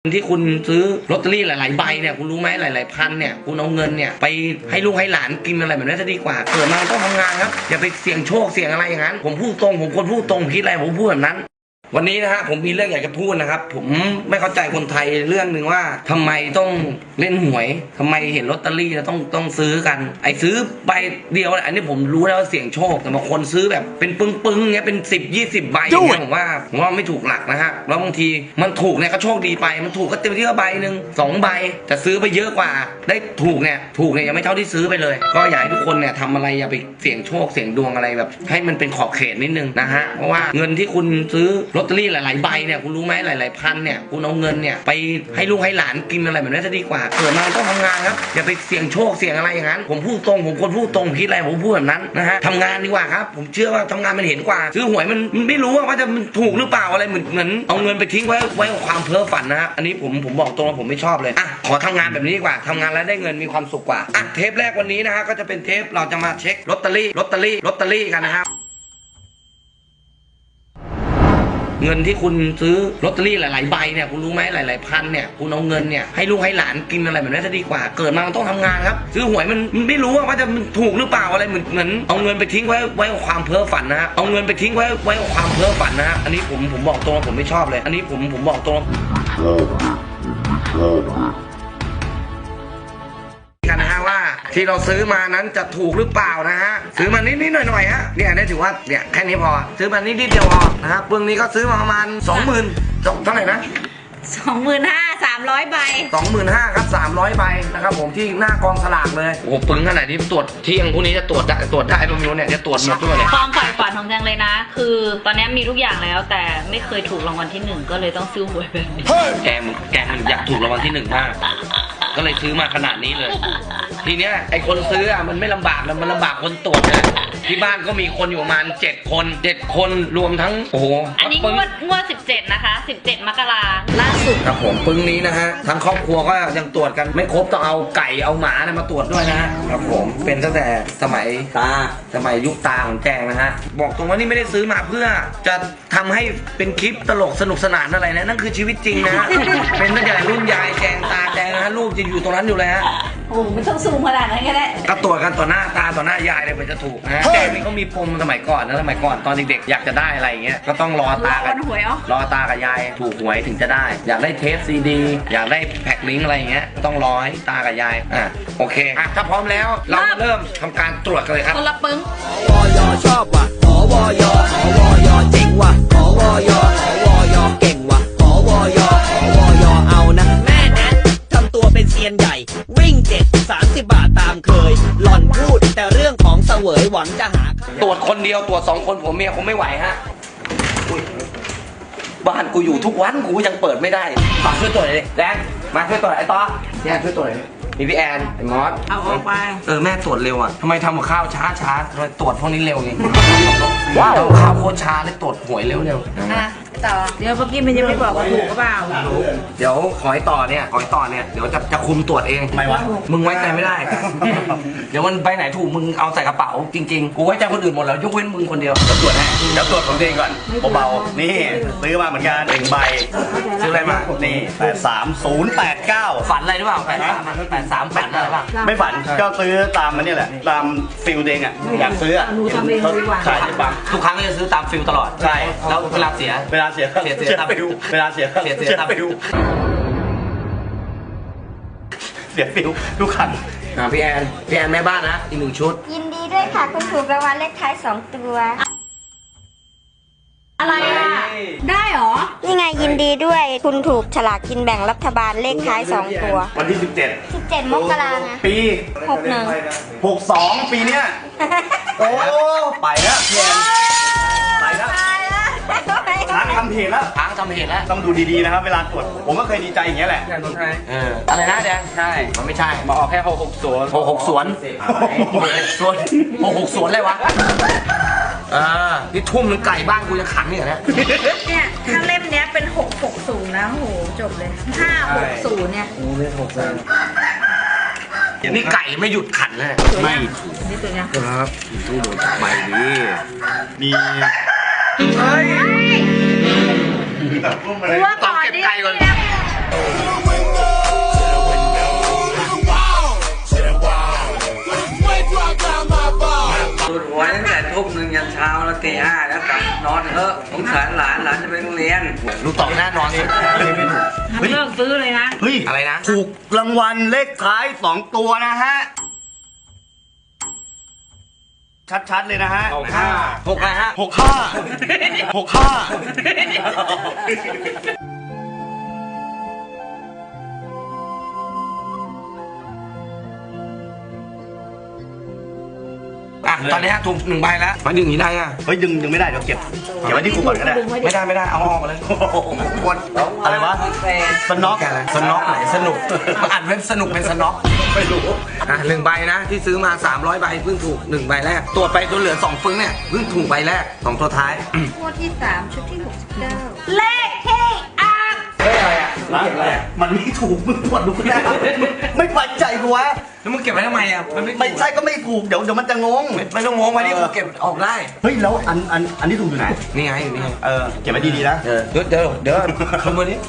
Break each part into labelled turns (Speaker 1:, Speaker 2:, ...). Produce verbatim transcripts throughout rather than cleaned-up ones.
Speaker 1: ที่คุณซื้อลอตเตอรี่หลายๆใบเนี่ยคุณรู้ไหมหลายๆพันเนี่ยคุณเอาเงินเนี่ยไปให้ลูกให้หลานกินอะไรแบบนี้จะดีกว่าเกิดมาต้องทำงานครับอย่าไปเสี่ยงโชคเสี่ยงอะไรอย่างนั้นผมพูดตรงผมคนพูดตรงคิดอะไรผมพูดแบบนั้นวันนี้นะฮะผมมีเรื่องอยากจะพูดนะครับผมไม่เข้าใจคนไทยเรื่องหนึ่งว่าทำไมต้องเล่นหวยทำไมเห็นลอตเตอรี่แล้วต้องต้องซื้อกันไอ้ซื้อใบเดียวอันนี้ผมรู้แล้วว่าเสี่ยงโชคแต่บางคนซื้อแบบเป็นปึ้งๆเงี้ยเป็นสิบยี่สิบใบอย่างเงี้ยผมว่าผมว่าไม่ถูกหลักนะฮะแล้วบางทีมันถูกเนี่ยก็โชคดีไปมันถูกก็เต็มที่ก็ใบหนึ่งสองใบแต่ซื้อไปเยอะกว่าได้ถูกเนี่ยถูกเนี่ยยังไม่เท่าที่ซื้อไปเลยก็อยากให้ทุกคนเนี่ยทำอะไรอย่าไปเสี่ยงโชคเสี่ยงดวงอะไรแบบให้มันเป็นขอบเขตนิดนึงนะฮะเพราะว่าเงินที่คุณซื้อลอตเตอรี่หลายๆใบเนี่ยคุณรู้ไหมหลายๆพันเนี่ยคุณเอาเงินเนี่ยไปให้ลูกให้หลานกินอะไรแบบนี้จะดีกว่าเกิดมาต้องทำงานครับอย่าไปเสี่ยงโชคเสี่ยงอะไรอย่างนั้นผมพูดตรงผมคนพูดตรงคิดอะไรผมพูดแบบนั้นนะฮะทำงานดีกว่าครับผมเชื่อว่าทำงานมันเห็นกว่าซื้อหวยมันมันไม่รู้ว่าจะมันถูกหรือเปล่าอะไรเหมือนเหมือนเอาเงินไปทิ้งไว้ไว้กับความเพ้อฝันนะฮะอันนี้ผมผมบอกตรงผมไม่ชอบเลยอ่ะขอทำงานแบบนี้ดีกว่าทำงานแล้วได้เงินมีความสุขกว่าอ่ะเทปแรกวันนี้นะฮะก็จะเป็นเทปเราจะมาเช็คลอตเตอรี่ลอตเตอรี่ลอตเตอรี่กันนะครับเงินที่คุณซื้อลอตเตอรี่หลายๆใบเนี่ยคุณรู้ไหมหลายๆพันเนี่ยคุณเอาเงินเนี่ยให้ลูกให้หลานกินอะไรแบบนี้จะดีกว่าเกิดมามันต้องทำงานครับซื้อหวยมันมันไม่รู้ว่าจะมันถูกหรือเปล่าอะไรเหมือนเหมือนเอาเงินไปทิ้งไว้ไว้กับความเพ้อฝันนะฮะเอาเงินไปทิ้งไว้ไว้กับความเพ้อฝันนะฮะอันนี้ผมผมบอกตรงผมไม่ชอบเลยอันนี้ผมผมบอกตรงกันนะฮะว่าที่เราซื้อมานั้นจะถูกหรือเปล่านะฮะซื้อมานิดๆหน่อยๆฮะเนี่ยได้ถือว่าเนี่ยแค่นี้พอซื้อมานิดๆเดียวพอนะครับเบื้องนี้ก็ซื้อมาประมาณสองหมื่นเท่าไหร่นะ
Speaker 2: สองหมื่นห้าสามร้อยใบ
Speaker 1: สองหมื่นห้าครับสามร้อยใบนะครับผมที่หน้ากองสลากเลยโอ้โหปึ้งขนาดนี้ตรวจเที่ยงพรุ่งนี้จะตรวจได้ตรวจได้ตรงนี้เนี่ยจะตรวจหมดด้วยเนี่ย
Speaker 2: ความฝ่ายฝันของแจงเลยนะคือตอนนี้มีทุกอย่างแล้วแต่ไม่เคยถูกรางวัลที่หนึ่งก็เลยต้องซื้อหวยแบบนี้
Speaker 1: แกมแกมอยากถูกรางวัลที่หนึ่งมากก็เลยซื้อมาขนาดนี้เลยทีเนี้ยไอคนซื้ออ่ะมันไม่ลำบากนะมันลำบากคนตรวจนะที่บ้านก็มีคนอยู่ประมาณเจ็ดคนเจ็ดคนรวมทั้งโอ้โห
Speaker 2: อันนี้งวดงวดสิบเจ็ดนะคะสิบเจ็ดมกราล่าสุด
Speaker 1: ครับผมปึ้งนี้นะฮะทั้งครอบครัวก็ยังตรวจกันไม่ครบต้องเอาไก่เอาหมาเนี่ยมาตรวจด้วยนะฮะครับผมเป็นตั้งแต่สมัยตาสมัยยุคตาของแจงนะฮะบอกตรงว่านี่ไม่ได้ซื้อมาเพื่อจะทำให้เป็นคลิปตลกสนุกสนานอะไรนะนั่นคือชีวิตจริงนะฮะเป็นตั้งแต่รุ่นยายแจงตาแจงนะฮะรูปจะอยู่ตรงนั้นอยู่เลยฮะ
Speaker 2: โอ้ไม่ต้องซูมขนาดนั้นก็ได้
Speaker 1: ก็ตรวจกันต่อหน้าตาต่อหน้ายายเลยมันจะถูกนะฮะแจงนี่เขามีปมสมัยก่อนนะสมัยก่อนตอนเด็กๆอยากจะได้อะไรอย่างเงี้ยก็ต้องรอตากับรอตากับยายถูกหวยถึงจะได้อยากได้เทปซีดีอยากได้แพ็คลิงก์อะไรอย่างเงี้ยต้องรอให้ตากับยายอ่ะโอเคอ่ะถ้าพร้อมแล้วเราเริ่มทำการตรวจกันเลยครับ
Speaker 2: คนละปึ้ง
Speaker 3: วอยชอบว่ะขอวอยขอวอยเจ๋งว่ะขอวอยขอวอยเก่งว่ะขอวอยขอวอยเอานะแม่แนททำตัวเป็นเซียนใหญ่วิ่งเจ็ดสามสิบบาทตามเคยหล่อนพูดแต่เรื่องของเสวยหวังจะหา
Speaker 1: ตรวจคนเดียวตรวจสองคนผมเมียคงไม่ไหวฮะบ้านกูอยู่ทุกวันกูยังเปิดไม่ได้มาช่วยตรวจเลยแดงมาช่วยตรวจไอ้ต่อแดงช่วยตรวจเลยมีพี่แอนไอ้มอส
Speaker 2: เอาออกไป
Speaker 1: เออแม่ตรวจเร็วอ่ะทำไมทำกับข้าวช้าช้าทำไมตรวจพวกนี้เร็วไงว้าวข้าวโคตรช้าเลยตรวจหวยเร็วเร็ว
Speaker 2: อ่ะต่อเดี๋ยวเมื่อกี้มันยังไม่บอกว่าถูกหรือเปล่า
Speaker 1: เดี๋ยวขอยต่อเนี่ยขอยต่อเนี่ยเดี๋ยวจะจะคุมตรวจเอง
Speaker 3: ไม่วะ
Speaker 1: มึงไว้ใจไม่ได้เดี๋ยวมันไปไหนถูกมึงเอาใส่กระเป๋าจริงๆกูไว้ใจคนอื่นหมดแล้วยกเว้นมึงคนเดียว
Speaker 3: จะตรวจให้เดี๋ยวตรวจของตัวเองก่อนเบาๆนี่ซื้อมาเหมือนกันหนึ่งใบ
Speaker 1: ซื้ออะไรมา
Speaker 3: นี่แปดสามศูนย์แปดเก้า
Speaker 1: ฝันอะไรหรือเปล่าแปดสามแปดสามฝันอะไรบ้าง
Speaker 3: ไม่ฝันก็ซื้อตามมันนี่แหละตามฟิลเด้งอ่ะอยากซื้ออ่ะขายได้ปัง
Speaker 1: ทุกครั้งก็จะซื้อตามฟิลตลอด
Speaker 3: ใช่
Speaker 1: แล้วเวลาเสีย
Speaker 3: เวลาเสีย
Speaker 1: เสียเสียตาม
Speaker 3: ฟิลเวลาเสีย
Speaker 1: เสียเสียตามฟิล
Speaker 3: เสียฟิลทุกครั้ง
Speaker 1: อ่าพี่แอนพี่แอนแม่บ้านนะอีกหนึ่งชุด
Speaker 4: ยินดีด้วยค่ะคุณถูกรางวัลเลขท้ายสองตัว
Speaker 2: อะไรอ่ะได้หรอ
Speaker 4: นี่ไงยินดีด้วยคุณถูกฉลากกินแบ่งรัฐบาลเลขท้ายสองตัว
Speaker 3: วันที่สิบเจ็ด
Speaker 4: สิบเจ็ดมกราคม
Speaker 3: ปี
Speaker 4: หกหนึ่ง
Speaker 3: หกสองปีเนี้ยโอ้ไปแล้วเพียนไปแล้วช้างทำเพจแล้ว
Speaker 1: ช้างทำเพจแล้ว
Speaker 3: ต้องดูดีๆนะครับเวลาตรวจผมก็เคยดีใจอย่างเงี้ยแหละ
Speaker 1: เอออะไรนะแดงใช่มันไม่ใช่มาออกแค่หกหกสวนหกหกสวนสวนหกหกสวนเลยวะอ่านี่ทุ่มนึงไก่บ้านกูจะขังเนี่ยนะ
Speaker 2: เนี่ยถ้าเล่มเนี้ยเป็นหกหกศูนย์นะโหจบเลยห้าหกศูนย์เนี่ย
Speaker 3: โอ้เลขหกศูนย์
Speaker 1: นี่ไก่ไม่หยุดขันเลย
Speaker 3: ไม่
Speaker 2: นี่ตัวเนี้ย
Speaker 3: ครับตู้หมดใหม่ดีมี
Speaker 1: เฮ้ย
Speaker 2: ว่าก่อนดิมึงเลิกซื้อเลยนะ
Speaker 5: เฮ้ย
Speaker 1: อะไรนะ
Speaker 5: ถูกรางวัลเลขท้ายสองตัวนะฮะ ชัดๆเลยนะฮะ
Speaker 1: หกห้าหกอะไรฮะ
Speaker 5: หกห้าหกห้า
Speaker 1: อ่ะตอนนี้ฮะถูกหนึ่งใบแล้วมาดึงอย่างนี้ได้อ่ะ
Speaker 5: เฮ้ยดึงดึงไม่ได้เดี๋ยวเก็บเก็บไว้ที่กูก่อนก็ได้
Speaker 1: ไม่ได้ไม่ได้เอาออกมาเลย
Speaker 5: กดอะไรวะสน็อก
Speaker 1: แกอะไรสน็อกไหนสนุกมาอ่านเว็บสนุกเป็นสน็อก
Speaker 5: ไม่รู้
Speaker 1: อ่ะหนึ่งใบนะที่ซื้อมาสามร้อยใบเพิ่งถูกหนึ่งใบแรกตรวจไปจนเหลือสองฟึ้งเนี่ยเพิ่งถูกใบแรกสองตัวท้าย
Speaker 4: งวดที่สามชุดที่หกสิบเก้า
Speaker 2: เลขที่อ่าง
Speaker 1: เฮ้ยอะไรอ่ะเก็บอะไรอ่ะ
Speaker 5: มันไม่ถูกมึงตรวจดูก็ได้ไม่ปันใจกูวะ
Speaker 1: แล้วมึงเก็บไว้ทำไมอ่ะมันไม่
Speaker 5: ไม่ใช่ก็ไม่ถูกเดี๋ยวเดี๋ยวมันจะงง
Speaker 1: ไม่ไม่ต้องงงไว้ที่กูเก็บออกได้
Speaker 5: เฮ้ยแล้วอันอันอันที่ถูกอยู่ไหน
Speaker 1: นี่ไงอยู่นี่ไง
Speaker 5: เออเก็บไว้ดีๆนะ
Speaker 1: เออเดี๋ยวเดี๋ยวเดี๋ยวคืนวันนี้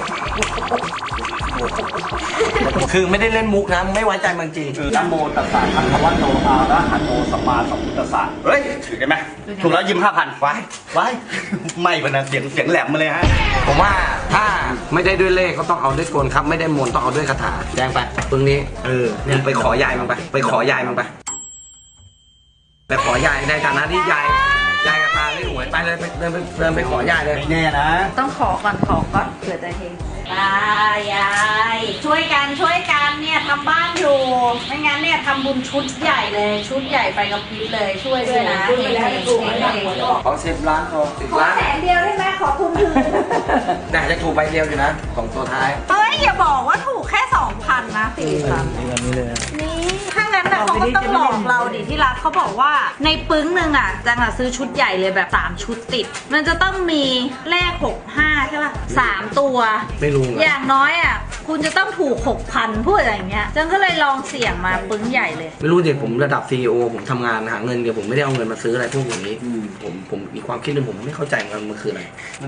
Speaker 1: คือไม่ได้เล่นมุกนะไม่ไว้ใจมันจริง
Speaker 5: นะโมตัสสะภะคะวะโตอะระหะโตสัมมาสัมพุทธัสสะเฮ้ยถือได้ไหมถูกแล้วยิ้มห้าพันไว้ไว้ไม่เป็นนะเสียงเสียงแหลมมาเลยฮะ
Speaker 1: ผมว่าถ้าไม่ได้ด้วยเลขก็ต้องเอาด้วยกลครับไม่ได้มนต์ต้องเอาด้วยคาถาแจ้งไปปึงนี้
Speaker 5: เออ
Speaker 1: มึงไปขอยายมึงไปไปขอยายมึงไปไปขอยายในฐานะที่ยายยายกับตาเล่นหวยไปเลยไปเดินไปเดินไปขอยายเลย
Speaker 5: ไม่แน่นะ
Speaker 2: ต้องขอก่อนขอก่อนเผื่อจะเฮงตายายช่วยกันช่วยกันเนี่ยทำบ้านอยู่ไม่งั้นเนี่ยทำบุญชุดใหญ่เลย ชุดใหญ่ไปกับพริบเลยช่วยด้วยนะเฮงเฮงเฮงเฮง
Speaker 1: ขอสิบล้านพอสิบ
Speaker 2: ขอ
Speaker 1: ล้าน
Speaker 2: แสนเดียวได้ไหมขอทุนคืน
Speaker 1: แต่จะถูกใบเดียวอยู่นะสองตัวท้าย
Speaker 2: เฮ้ยอย่าบอกว่าถูกแค่สองพันนะสี่พันนี่ถ้างั้นนะเขาก็ต้องหลอกเราดิที่รักเขาบอกว่าในปึ้งหนึ่งอ่ะจังอ่ะซื้อชุดใหญ่เลยแบบสามชุดติด มันจะต้องมีเลขหกห้าใช่ป่ะสามตัว
Speaker 1: ไม่รู้
Speaker 2: อย่างน้อยอ่ะคุณจะต้องถูกหกพันพูดอะไรอย่างเงี้ยจังก็เลยลองเสี่ยงมาปึ้งใหญ่เลย
Speaker 1: ไม่รู้เด็กผมระดับซีอีโอผมทำงานหาเงินเดี๋ยวผมไม่ได้เอาเงินมาซื้ออะไรพวกอย่างนี้ผมผมมีความคิดหนึงผมไม่เข้าใจมันมันคืออะไร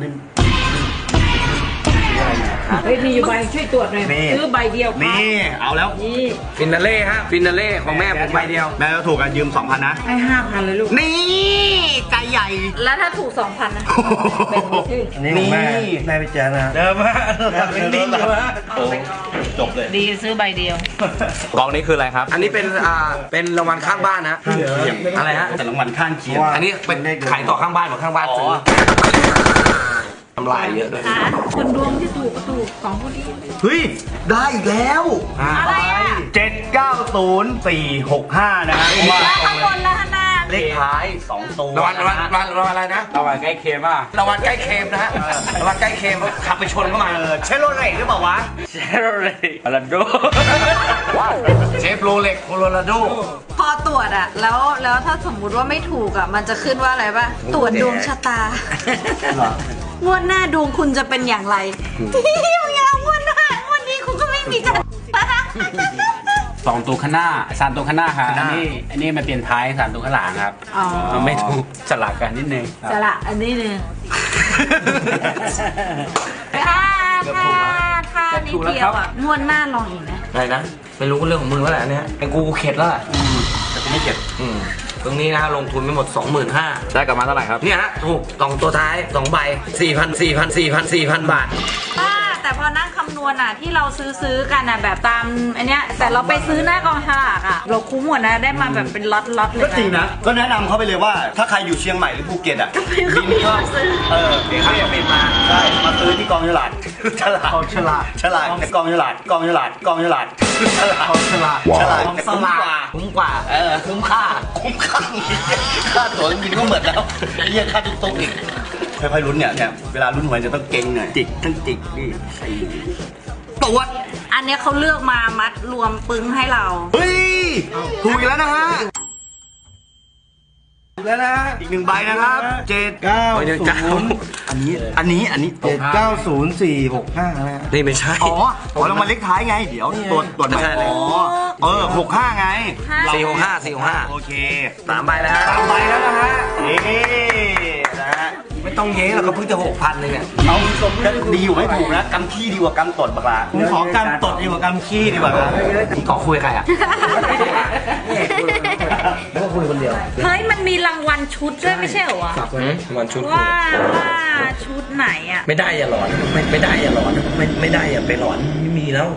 Speaker 6: เฮ้ยมีอยู่ใบช่วยตรวจหน่อย
Speaker 5: นี่
Speaker 6: ซื้อใบเดียวครับ
Speaker 5: นี่เอาแล้ว
Speaker 6: นี่
Speaker 1: ฟินาเล่ฮะฟินาเล่ของแม่ผมใบเดียว
Speaker 5: แม่ก็ถูกกันยืมสองพันนะ
Speaker 6: ให้ห้าพันเลยลูก
Speaker 5: นี่ใจใหญ่
Speaker 2: แล้วถ้าถูกสองพันนะ
Speaker 5: นี่แม่แม่ไปเจอนะเดิมมาเป็นดิ้นอยู่ฮะจบเลย
Speaker 6: ดีซื้อใบเดียว
Speaker 7: กองนี้คืออะไรครับ
Speaker 1: อันนี้เป็นอ่าเป็นรางวัลข้างบ้านนะอะไรฮะ
Speaker 5: แต่รางวัลข้างเคียง
Speaker 1: อันนี้เป็นขายต่อข้างบ้านของข้างบ้านซื้อ
Speaker 5: อ
Speaker 1: ทำลายเยอะด้วย
Speaker 6: คนดวงที่ถูกก็ถูกสองคนนี้
Speaker 5: เฮ้ยได้อีกแล้ว
Speaker 2: อะไรอ่ะ
Speaker 5: เจ็ดเก้าศูนย์สี่หกห้านะฮะว่า
Speaker 2: แล้วข้างบนแล้วข้างหน้า
Speaker 5: เลขท้ายสองตัว
Speaker 1: รางวัลรางวัลรางวัลรางวัลอะไรนะ
Speaker 7: เอาไว้ใกล้เคียงป่ะ
Speaker 1: รางวัลใกล้เค็มนะฮะรางวัลใกล้เค็มขับไปชนเข้ามา
Speaker 5: เออเชโรเรตหรือเปล่าวะ
Speaker 7: เชโรเลยอลันโด
Speaker 1: เชฟโรเล็กโคโลราโด
Speaker 2: พอตรวจอะแล้วแล้วถ้าสมมุติว่าไม่ถูกอะมันจะขึ้นว่าอะไรป่ะตรวจดวงชะตา
Speaker 5: เหรอ
Speaker 2: งวดหน้าดวงคุณจะเป็นอย่างไรพี่มึงอย่าเอางวดหน้างวดนี้คุณก็ไม่มีจะ
Speaker 7: สองตัวข้างหน้าสามตัวข้างหน้าครับอันนี้อันนี้มันเปลี่ยนท้ายสามตัวข้างหลังครับ
Speaker 2: อ๋อ
Speaker 7: มันไม่ถูกสลักกันนิดนึง
Speaker 2: จะละอันนี้หนึ่งถ้าถ้าถ้านิดเดียวอะงวดหน้าลองอีกนะ
Speaker 1: อะไรนะไม่รู้เรื่องของมึงแล้วแหละเนี่ยเป็นกูกูเข็ดแล้วแหละ
Speaker 5: แต่กูไม่เก็บ
Speaker 1: อืมตรงนี้นะฮะลงทุนไปหมด สองหมื่นห้าพัน
Speaker 7: ได้กลับมาเท่าไหร่ครับ
Speaker 1: เนี่ยฮะถูกสองตัวท้ายสองใบ สี่พัน สี่พัน สี่พัน สี่พัน บาท
Speaker 2: ป้าแต่พอนั่งคำนวณอะที่เราซื้อซื้อกันอะแบบตามอันเนี้ยแต่เราไปซื้อหน้ากองฉลากอะเราคุ้มหมดนะได้มาแบบเป็นล็อตล็อตๆเลย
Speaker 5: ก็
Speaker 2: นะ
Speaker 5: จริงนะ ก็แนะนำเขาไปเลยว่า ถ้าใครอยู่เชียงใหม่หรือภูเก็ตอ่ะ
Speaker 2: ก็บินเข้ามาซื้อ
Speaker 5: เออเดี๋ยวเขาจะบินมา ใช่ มาซื้อที่กองฉลาดฉลาด
Speaker 1: กองฉลาด
Speaker 5: ฉลาดแต่กองฉลาด กองฉลาด กองฉลาดฉลาด
Speaker 1: กองฉลาด
Speaker 5: ฉลาดแต่คุ้มกว่า
Speaker 1: คุ้มกว่า
Speaker 5: เออ คุ้มค่า คุ้มค่าค่าตั๋วเครื่องบินก็หมดแล้วเรียกค่าตุ๊กตุ๊กอีก ค่อยๆลุ้นเนี่ยเนี่ย เวลาลุ้นหวยจะต้องเก่งหน่อย จิกทั้งจิกนี่ไอ้ตรวจ
Speaker 2: อันเนี้ยเขาเลือกมามัดรวมปึ้งให้เรา
Speaker 5: เฮ้ย ถูกอีกแล้วนะฮะ แล้วนะ อีกหนึ่งใบนะครับเจ็ดเก้า
Speaker 1: เดี๋ยวจ้า
Speaker 5: อันนี้ อันนี้ อันนี้
Speaker 8: เจ็ดเก้าศูนย์สี่หกห้านะฮะ
Speaker 1: นี่ไม่ใช่
Speaker 5: อ๋ออ๋อรางวัลเลขท้ายไง เดี๋ยวตรวจตรวจใหม่
Speaker 1: ไม่ใช่เลย
Speaker 5: อ๋อ เออหกห้าไง
Speaker 1: สี่หกห้า สี่หกห้า
Speaker 5: โอเค
Speaker 1: สามใบแล้วฮะ
Speaker 5: สามใบแล้วนะฮะ นี่นะฮะ
Speaker 1: ไม่ต้องเย้หรอกก็เพิ่งจะหกพันเลยเนี่ย
Speaker 5: เอาก็ดีอยู่ไม่ถูกนะกำขี้ดีกว่ากำตดบักลาผมขอกำตดดีกว่ากำขี้ดีกว่าครับ
Speaker 1: นี่เกาะคุยกับใครอ่ะแล้วก็คุยคนเดียว
Speaker 2: เฮ้ยมันมีรางวัลณชุดด้วยไม่ใช่เหรอวะ
Speaker 1: อืมวันชุด
Speaker 2: ว่าว่าชุดไหนอะ
Speaker 1: ไม่ได้อย่าหลอนไม่ไม่ได้อย่าหลอนไม่ไม่ได้อย่าไปหลอนไม่มีแล้ว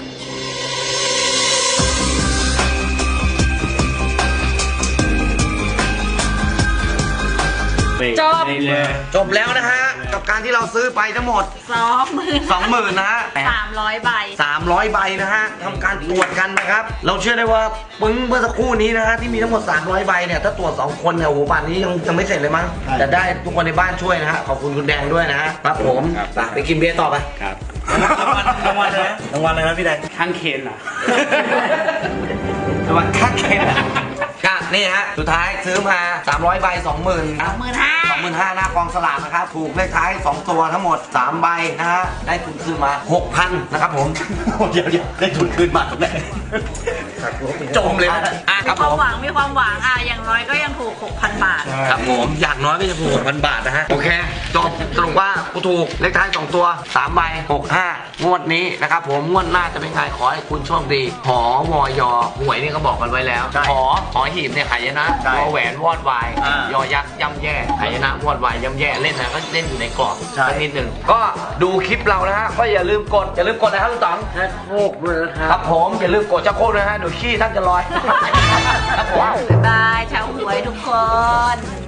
Speaker 2: จบ
Speaker 1: จบแล้วนะฮะกับการที่เราซื้อไปทั้งหมด
Speaker 2: สองหมื่น
Speaker 1: สองหมื่นนะฮะ
Speaker 2: สามร้อยใบ
Speaker 1: สามร้อยใบนะฮะทำการตรวจกันนะครับ เราเชื่อได้ว่าปึ้งเมื่อสักครู่นี้นะฮะที่มีทั้งหมดสามร้อยใบเนี่ยถ้าตรวจสองคนเนี่ยโอ้โหป่านนี้ยังยังไม่เสร็จเลยมั้งแต่ได้ทุกคนในบ้านช่วยนะฮะขอบคุณคุณแดงด้วยนะฮะครับผมไปไปกินเบียร์ต่อไป
Speaker 7: ครับ
Speaker 8: รางวัลรางวัลเลยนะรางวัลเลยนะพี่แดง
Speaker 7: ข้างเคนอ่ะ
Speaker 1: รางวัลค่าเคนก็นี่ฮะสุดท้ายซื้อมาสามร้อยใบสองหมื่น
Speaker 2: สองหมื่นห้า
Speaker 1: สองหมื่นห้าหน้ากองสลากนะครับถูกเลขท้ายสองตัวทั้งหมดสามใบนะฮะได้ทุนคืนมาหกพันนะครับผม
Speaker 5: เดี๋ยวเดี๋ยวได้ทุนคืนมาตรงไหน
Speaker 1: จมเลยนะอ่ะค
Speaker 2: มี
Speaker 1: รับ
Speaker 2: ค
Speaker 1: ผ
Speaker 2: วาม
Speaker 1: ม
Speaker 2: หวังมีความหวังอ่ะอย่างน้อยก็ยังถูก หกพัน บาท
Speaker 1: ครับผมอย่างน้อยก็จะถูกหกพันบาทนะฮะโอเคจบสรุปว่ากูถูกเลขท้ายสองตัวสามใบหกห้างวดนี้นะครับผมงวดหน้าจะเป็นไงขอให้คุณโชคดีหอวอยอหวยนี่ก็บอกกันไว้แล้ว
Speaker 5: ใช่
Speaker 1: หอหอหีบเนี่ยหายนะ
Speaker 5: ใช่
Speaker 1: วอแหวนวอดวาย
Speaker 5: อ่าย
Speaker 1: อยักษ์ย่ำแย่หายนะวอดวายย่ำแย่เล่นนะก็เล่นอยู่ในกรอบ
Speaker 5: ใช่
Speaker 1: สักนิดหนึ่งก็ดูคลิปเรานะฮะก็อย่าลืมกดอย่าลืมกดนะครับลุงต๋องชักโครกด้วยนะครับครับผมอย่าลืมกดชักโครกด้วยนะฮะเดี๋ยวขี้ท่านจะลอยครับผม
Speaker 2: บ๊ายบายชาวหวยทุกคน